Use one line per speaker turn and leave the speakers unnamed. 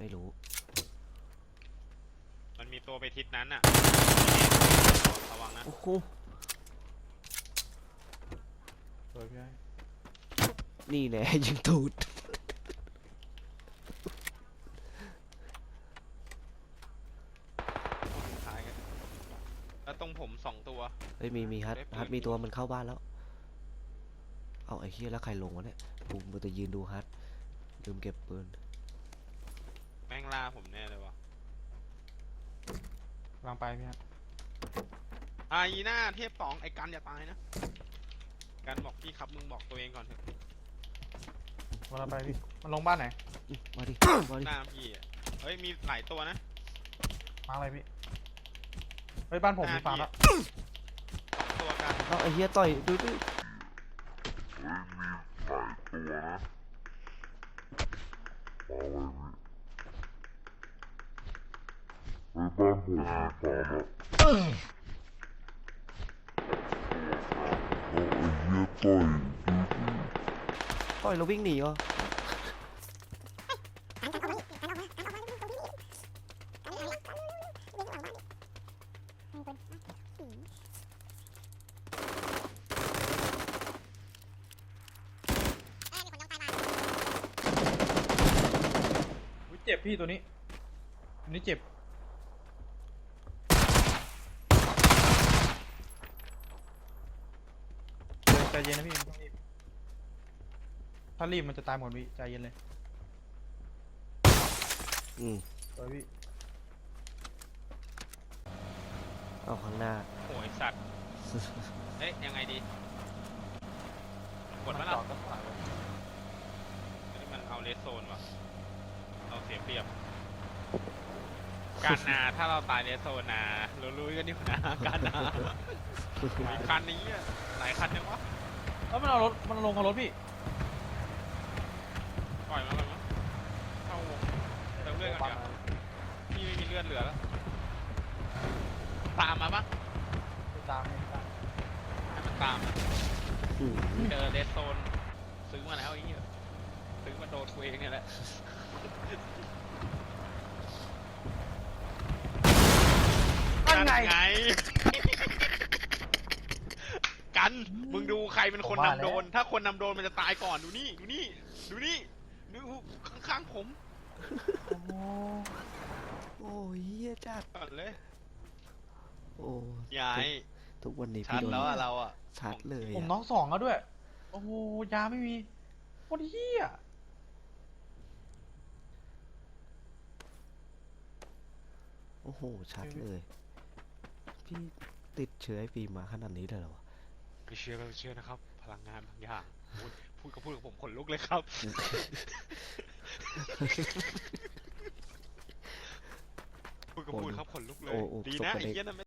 ไม่รู้
มันมีตัวไปทิศนั้นอ่ะระวังนะ
โอ้โห
สวยพี่ไอ้
นี่แน่ยิงตูด
ท้ายกันแล้วตรงผม2 ตัว
เฮ้ยมีฮัทมีตัวมันเข้าบ้านแล้วเอาไอ้เหี้ยแล้วใครลงวะเนี่ยกูมันจะยืนดูฮัทลืมเก็บปืน
แม่งล่าผมแน่เลยวะ
กำลังไปพี่ไอ้
อีน่าเทพ2ไอ้กันอย่าตายนะกันบอกพี่ครับมึงบอกตัวเองก่อนเถอะ
กำลังไปพี่มันลงบ้านไหน
มาดิมาดิ
หน้าพี่อะเฮ้ยมีหลายตัวนะ
มาอะไรพี่เฮ้ยบ้านผมมีฟาร์มแล้ว
2 ตัวกัน
เอาไอ้เหี้ยต่อยดูดิ ต่อยแล้ววิ่งหนีเหรอ
อุ๊ยเจ็บพี่ตัวนี้เจ็บใจเย็นนะพี่ไม่ต้องรีบถ้ารีบมันจะตายหมดพี่ใจเย็นเลย สวยพี่
เอาข้างหน้า
โอ้ยสัตว์เอ๊ะยังไงดีกดมา
จ
ละ
อดก็ผ่านเลย
นี่มันเอาเลสโซนว่ะเราเสียเปรียบการนาถ้าเราตายเลสโซนนะรู้ๆกันอยู่นะการนามีคันนี้อะหลายคันจังวะ
แล้วมันเอารถมันลงกับรถพี่
ปล่อยมาเข้าวงเติมเลือดก่อนเดี๋ยวพี่ไม่มีเลือดเหลือแล้วตามมาปะ
ไม่ตามไม่ตาม
ให้มันตามนะ
อืม
เจอเลสโซนซื้อมาแล้วไอ้เหี้ยซื้อมาโดนกูเองเนี่ยแหละนั่นไง กันมึงดูใครเป็นคนนำโดน ถ้าคนนำโดนมันจะตายก่อนดูนี่ดูข้างๆผม
โอ้โห
โอ้ยเหี้ยจัด
ก่อนเลย
โอ้
ยาย
ทุกวันนี้
ชั
พี่
ด
โดน
แล้วอะเราอะ
ชัดเลย
ผม
อะ
น้อง2แล้วด้วย โอ้โหยาไม่มีโคตรเหี้ย
โอ้โหชัดเลยพี่ติดเชื้อไอ้ฟิล์มมาขนาดนี้เลยเหรอวะ
ไม่เชื่อนะครับ พลังงานบางอย่างพูดกับผมขนลุกเลยครับพูดครับขนลุกเลย
โอ้โอ้
ดี
ส่ง
นะ
กัน
ไอ้
เอง
เหี้ยนั่น